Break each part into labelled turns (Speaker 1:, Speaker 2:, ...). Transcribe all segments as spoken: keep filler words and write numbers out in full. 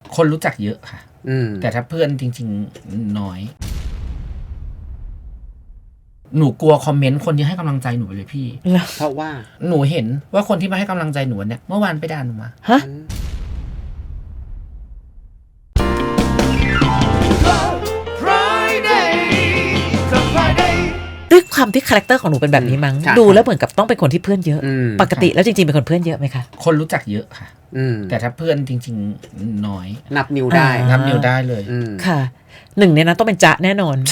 Speaker 1: คนรู้จักเยอะค่ะแต่ถ้าเพื่อนจริงๆน้อยหนูกลัวคอมเมนต์คนที่ให้กำลังใจหนูไปเลยพี่
Speaker 2: เพราะว่า
Speaker 1: หนูเห็นว่าคนที่มาให้กำลังใจหนูเนี่ยเมื่อวานไปด่าหนูมาฮะ
Speaker 3: ด้วยความที่คาแรคเตอร์ของหนูเป็นแบบนี้มั้งดูแล้วเหมือนกับต้องเป็นคนที่เพื่อนเยอะปกติแล้วจริงๆเป็นคนเพื่อนเยอะไหมคะ
Speaker 1: คนรู้จักเยอะค่ะแต่ถ้าเพื่อนจริงๆน้อย
Speaker 2: นับนิ้วได้
Speaker 1: นับนิ้วได้เลย
Speaker 3: ค่ะหนึ่งในนั้นต้องเป็นจ๊ะแน่นอน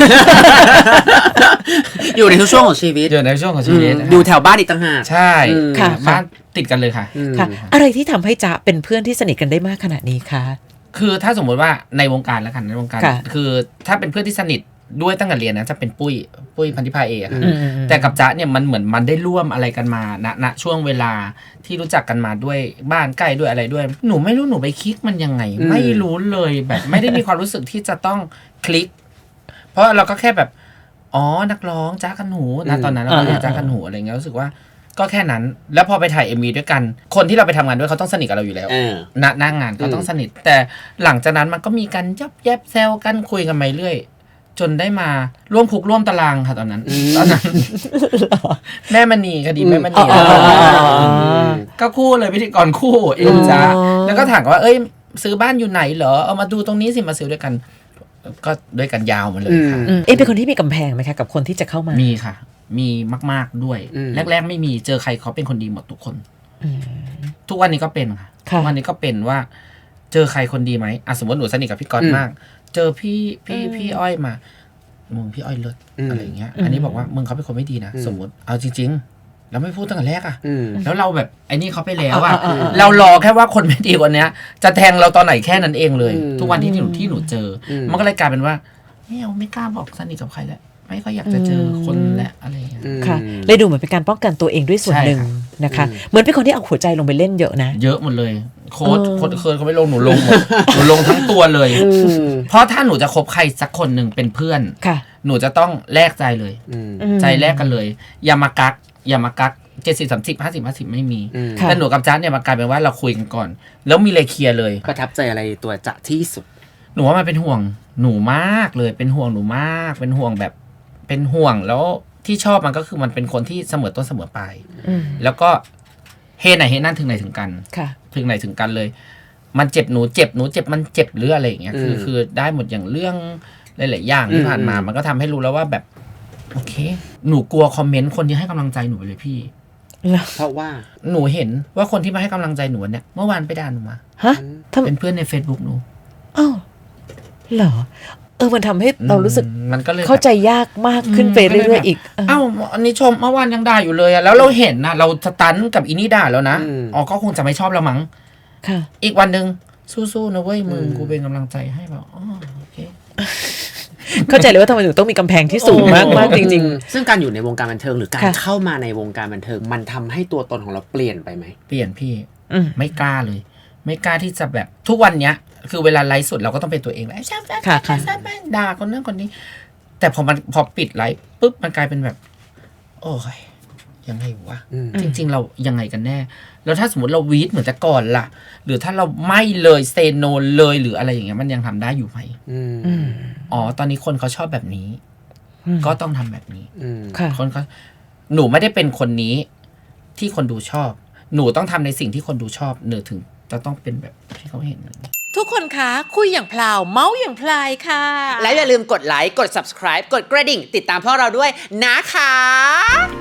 Speaker 2: อยู่ในทุกช่วงของชีวิต
Speaker 1: อยู่ในช่วงของชีวิต
Speaker 2: อยู่แถวบ้านอีกต่างหาก
Speaker 1: ใช่ค่ะบ้านติดกันเลยค่ะ
Speaker 3: ค่ะอะไรที่ทำให้จ๊ะเป็นเพื่อนที่สนิทกันได้มากขนาดนี้คะ
Speaker 1: คือถ้าสมมติว่าในวงการแล้วกันในวงการคือถ้าเป็นเพื่อนที่สนิทด้วยตั้งแต่เรียนนะจะเป็นปุ้ยปุ้ยพันธิพาเอกค่ะแต่กับจ๊ะเนี่ยมันเหมือนมันได้ร่วมอะไรกันมาณณช่วงเวลาที่รู้จักกันมาด้วยบ้านใกล้ด้วยอะไรด้วยหนูไม่รู้หนูไปคลิกมันยังไงไม่รู้เลยแบบไม่ได้มีความรู้สึกที่จะต้องคลิกเพราะเราก็แค่แบบอ๋อนักร้องจ๊ะกันหูนะตอนนั้นเราก็เรียกจ๊ะกันหูอะไรเงี้ยรู้สึกว่าก็แค่นั้นแล้วพอไปถ่าย เอ็ม วี ด้วยกันคนที่เราไปทำงานด้วยเขาต้องสนิทกับเราอยู่แล้วณหน้างานเขาต้องสนิทแต่หลังจากนั้นมันก็มีการยับแยบแซวกันคุยกันไปเรื่อยจนได้มาร่วมคุกร่วมตารางค่ะตอนนั้นตอนนั้นแม่มณีคดีแม่มณีก็คู่เลยพิธีกรคู่เอ็มจ้าแล้วก็ถามว่าเอ้ยซื้อบ้านอยู่ไหนเหรอเอามาดูตรงนี้สิมาซื้อด้วยกันก็ด้วยกันยาวมาเลยค่ะ
Speaker 3: เอ็มเป็นคนที่มีกำแพงไหมคะกับคนที่จะเข้ามา
Speaker 1: มีค่ะมีมากๆด้วยแรกๆไม่มีเจอใครเขาเป็นคนดีหมดทุกคนทุกวันนี้ก็เป็นค่ะทุกวันนี้ก็เป็นว่าเจอใครคนดีไหมอ่ะสมมติหนูสนิทกับพี่ก๊อตมากเจอพี่พี่พี่อ้อยมามึงพี่อ้อยเลิศอะไรอย่างเงี้ยอันนี้บอกว่ามึงเขาเป็นคนไม่ดีนะสมมติเอาจริงๆแล้วไม่พูดตั้งแต่แรกอ่ะแล้วเราแบบไอ้นี่เขาไปแล้วอ่ะเรารอแค่ว่าคนไม่ดีคนเนี้ยจะแทงเราตอนไหนแค่นั้นเองเลยทุกวันที่หนูที่หนูเจอมันก็เลยกลายเป็นว่าไม่เอาไม่กล้าบอกสนิทกับใครแล้วไม่ก็อยากจะเจอคนและอะไรอย่างเงี้ย
Speaker 3: ค่ะเลยดูเหมือนเป็นการป้องกันตัวเองด้วยส่วนหนึ่งนะคะเหมือนเป็นคนที่เอาหัวใจลงไปเล่นเยอะนะ
Speaker 1: เยอะหมดเลยโค้ดโค้ดเคยเขาไม่ลงหนูลงหมดหนูลงทั้งตัวเลยเพราะถ้าหนูจะคบใครสักคนหนึ่งเป็นเพื่อนหนูจะต้องแลกใจเลยใจแลกกันเลยอย่ามากักอย่ามากักเจ็ดสิบสามสิบห้าสิบห้าสิบไม่มีแต่หนูกับจ๊ะเนี่ยมากลายเป็นว่าเราคุยกันก่อนแล้วมีเลยเคลียร์เลย
Speaker 2: ประทับใจอะไรตัวจ๊ะที่สุด
Speaker 1: หนูว่ามันเป็นห่วงหนูมากเลยเป็นห่วงหนูมากเป็นห่วงแบบเป็นห่วงแล้วที่ชอบมันก็คือมันเป็นคนที่เสมอต้นเสมอปลายแล้วก็เฮไหนเฮนั่นถึงไหนถึงกันถึงไหนถึงกันเลยมันเจ็บหนูเจ็บหนูเจ็บมันเจ็บหรืออะไรอย่างเงี้ยคือคือได้หมดอย่างเรื่องหลายๆอย่างที่ผ่านมามันก็ทำให้รู้แล้วว่าแบบโอเคหนูกลัวคอมเมนต์คนที่ให้กำลังใจหนูไปเลยพี่
Speaker 2: เพราะว่า
Speaker 1: หนูเห็นว่าคนที่มาให้กำลังใจหนูเนี่ยเมื่อวานไปด่าหนูมาฮะเป็นเพื่อนใน Facebook หนู
Speaker 3: อ้าวเหรอเออมันทำให้เรารู้สึกมันก็เลยเข้าใจยากมากขึ้นไปเรื่อยๆอีก
Speaker 1: อ้าวอันนี้ชมเมื่อวานยังด่าอยู่เลยอะแล้วเราเห็นนะเราสตันกับอีนี่ด่าแล้วนะอ๋อก็คงจะไม่ชอบเรามั้งค่ะอีกวันนึงสู้ๆนะเว้ยมึงกูเป็นกำลังใจให้แบบอ๋อโอเค
Speaker 3: เข้าใจเลยว่าทำไมถึงต้องมีกำแพงที่สูงมากมากจริง
Speaker 2: ๆซึ่งการอยู่ในวงการบันเทิงหรือการเข้ามาในวงการบันเทิงมันทำให้ตัวตนของเราเปลี่ยนไปไหม
Speaker 1: เปลี่ยนพี่ไม่กล้าเลยไม่กล้าที่จะแบบทุกวันเนี้ยคือเวลาไลฟ์สดเราก็ต้องเป็นตัวเองแล้วใช่ใช่ใช่ใช่ด่าคนนั้นคนนี้แต่พอมันพอปิดไลฟ์ปุ๊บมันกลายเป็นแบบโอ้ยยังไงวะจริงๆเรายังไงกันแน่แล้วถ้าสมมติเราวีดเหมือนแต่ก่อนล่ะหรือถ้าเราไม่เลยเซโนเลยหรืออะไรอย่างเงี้ยมันยังทำได้อยู่ไหมอ๋อตอนนี้คนเขาชอบแบบนี้ก็ต้องทำแบบนี้คนเขาหนูไม่ได้เป็นคนนี้ที่คนดูชอบหนูต้องทำในสิ่งที่คนดูชอบหนูถึงจะต้องเป็นแบบที่เขาเห็น
Speaker 3: ทุกคนคะคุยอย่างพลาวเมาส์อย่างพลายค่ะ
Speaker 2: และอย่าลืมกดไลค์กด ซับสไครบ์ กดกระดิ่งติดตามพวกเราด้วยนะคะ